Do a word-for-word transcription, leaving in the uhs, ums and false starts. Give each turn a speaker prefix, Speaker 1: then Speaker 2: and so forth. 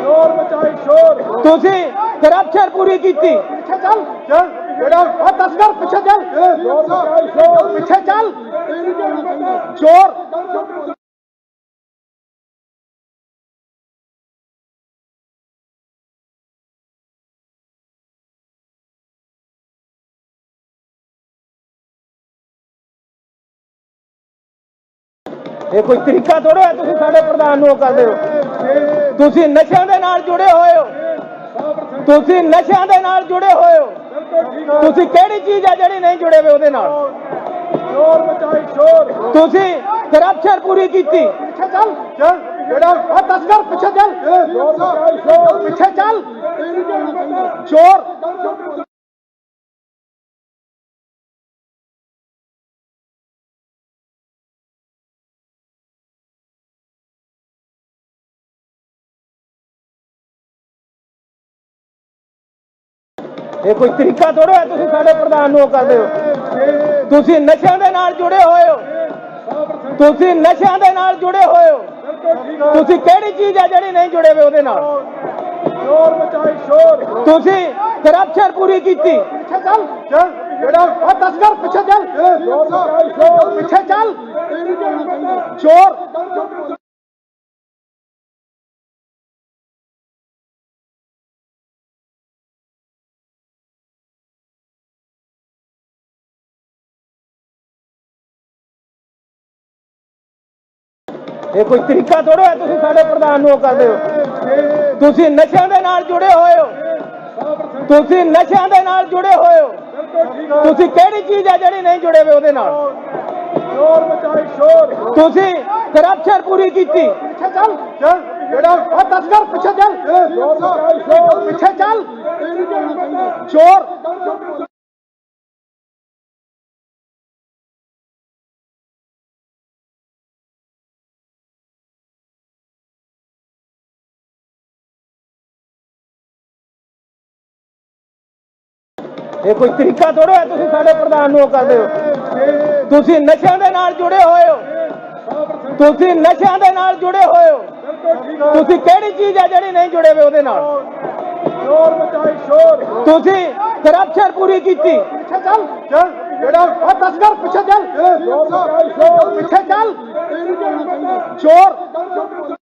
Speaker 1: ਸ਼ੋਰ ਮਚਾਈ ਸ਼ੋਰ
Speaker 2: ਤੁਸੀਂ ਕਰਪਸ਼ਨ ਪੂਰੀ ਕੀਤੀ।
Speaker 1: ਪਿੱਛੇ ਚੱਲ ਚੱਲ ਜਿਹੜਾ ਆ ਤਸਕਰ ਪਿੱਛੇ ਚੱਲ ਸ਼ੋਰ ਮਚਾਈ ਸ਼ੋਰ ਪਿੱਛੇ ਚੱਲ ਚੋਰ
Speaker 2: ਇਹ ਕੋਈ ਤਰੀਕਾ ਥੋੜ੍ਹਾ ਹੈ ਤੁਸੀਂ ਸਾਡੇ ਪ੍ਰਧਾਨ ਨੂੰ ਉਹ ਕਰਦੇ ਹੋ। ਤੁਸੀਂ ਨਸ਼ਿਆਂ ਦੇ ਨਾਲ ਜੁੜੇ ਹੋਏ ਹੋ, ਤੁਸੀਂ ਨਸ਼ਿਆਂ ਦੇ ਨਾਲ ਜੁੜੇ ਹੋਏ ਹੋ। ਤੁਸੀਂ ਕਿਹੜੀ ਚੀਜ਼ ਹੈ ਜਿਹੜੀ ਨਹੀਂ ਜੁੜੇ ਹੋਏ ਉਹਦੇ ਨਾਲ?
Speaker 1: ਸ਼ੋਰ ਮਚਾਈ ਸ਼ੋਰ
Speaker 2: ਤੁਸੀਂ ਕਰਪਸ਼ਨ ਪੂਰੀ ਕੀਤੀ।
Speaker 1: ਪਿੱਛੇ ਚੱਲ ਚੱਲ ਜਿਹੜਾ ਆ ਤਸਕਰ ਪਿੱਛੇ ਚੱਲ ਸ਼ੋਰ ਮਚਾਈ ਸ਼ੋਰ ਪਿੱਛੇ ਚੱਲ ਚੋਰ
Speaker 2: ਇਹ ਕੋਈ ਤਰੀਕਾ ਥੋੜ੍ਹਾ ਹੈ ਤੁਸੀਂ ਸਾਡੇ ਪ੍ਰਧਾਨ ਨੂੰ ਉਹ ਕਰਦੇ ਹੋ। ਤੁਸੀਂ ਨਸ਼ਿਆਂ ਦੇ ਨਾਲ ਜੁੜੇ ਹੋਏ ਹੋ, ਤੁਸੀਂ ਨਸ਼ਿਆਂ ਦੇ ਨਾਲ ਜੁੜੇ ਹੋਏ ਹੋ। ਤੁਸੀਂ ਕਿਹੜੀ ਚੀਜ਼ ਹੈ ਜਿਹੜੀ ਨਹੀਂ ਜੁੜੇ ਹੋਏ ਉਹਦੇ ਨਾਲ?
Speaker 1: ਸ਼ੋਰ ਮਚਾਈ ਸ਼ੋਰ
Speaker 2: ਤੁਸੀਂ ਕਰਪਸ਼ਨ ਪੂਰੀ ਕੀਤੀ।
Speaker 1: ਪਿੱਛੇ ਚੱਲ ਚੱਲ ਜਿਹੜਾ ਆ ਤਸਕਰ ਪਿੱਛੇ ਚੱਲ ਸ਼ੋਰ ਮਚਾਈ ਸ਼ੋਰ ਪਿੱਛੇ ਚੱਲ ਚੋਰ
Speaker 2: ਇਹ ਕੋਈ ਤਰੀਕਾ ਥੋੜ੍ਹਾ ਹੈ ਤੁਸੀਂ ਸਾਡੇ ਪ੍ਰਧਾਨ ਨੂੰ ਉਹ ਕਰਦੇ ਹੋ। ਤੁਸੀਂ ਨਸ਼ਿਆਂ ਦੇ ਨਾਲ ਜੁੜੇ ਹੋਏ ਹੋ, ਤੁਸੀਂ ਨਸ਼ਿਆਂ ਦੇ ਨਾਲ ਜੁੜੇ ਹੋਏ ਹੋ। ਤੁਸੀਂ ਕਿਹੜੀ ਚੀਜ਼ ਹੈ ਜਿਹੜੀ ਨਹੀਂ ਜੁੜੇ ਹੋਏ ਉਹਦੇ ਨਾਲ?
Speaker 1: ਸ਼ੋਰ ਮਚਾਈ ਸ਼ੋਰ
Speaker 2: ਤੁਸੀਂ ਕਰਪਸ਼ਨ ਪੂਰੀ ਕੀਤੀ।
Speaker 1: ਪਿੱਛੇ ਚੱਲ ਚੱਲ ਜਿਹੜਾ ਆ ਤਸਕਰ ਪਿੱਛੇ ਚੱਲ ਸ਼ੋਰ ਮਚਾਈ ਸ਼ੋਰ ਪਿੱਛੇ ਚੱਲ ਚੋਰ
Speaker 2: ਇਹ ਕੋਈ ਤਰੀਕਾ ਥੋੜ੍ਹਾ ਹੈ ਤੁਸੀਂ ਸਾਡੇ ਪ੍ਰਧਾਨ ਨੂੰ ਉਹ ਕਰਦੇ ਹੋ। ਤੁਸੀਂ ਨਸ਼ਿਆਂ ਦੇ ਨਾਲ ਜੁੜੇ ਹੋਏ ਹੋ, ਤੁਸੀਂ ਨਸ਼ਿਆਂ ਦੇ ਨਾਲ ਜੁੜੇ ਹੋਏ ਹੋ। ਤੁਸੀਂ ਕਿਹੜੀ ਚੀਜ਼ ਹੈ ਜਿਹੜੀ ਨਹੀਂ ਜੁੜੇ ਹੋਏ ਉਹਦੇ ਨਾਲ?
Speaker 1: ਸ਼ੋਰ ਮਚਾਈ ਸ਼ੋਰ
Speaker 2: ਤੁਸੀਂ ਕਰਪਸ਼ਨ ਪੂਰੀ ਕੀਤੀ।
Speaker 1: ਪਿੱਛੇ ਚੱਲ ਚੱਲ ਜਿਹੜਾ ਆ ਤਸਕਰ ਪਿੱਛੇ ਚੱਲ ਸ਼ੋਰ ਮਚਾਈ ਸ਼ੋਰ ਪਿੱਛੇ ਚੱਲ ਚੋਰ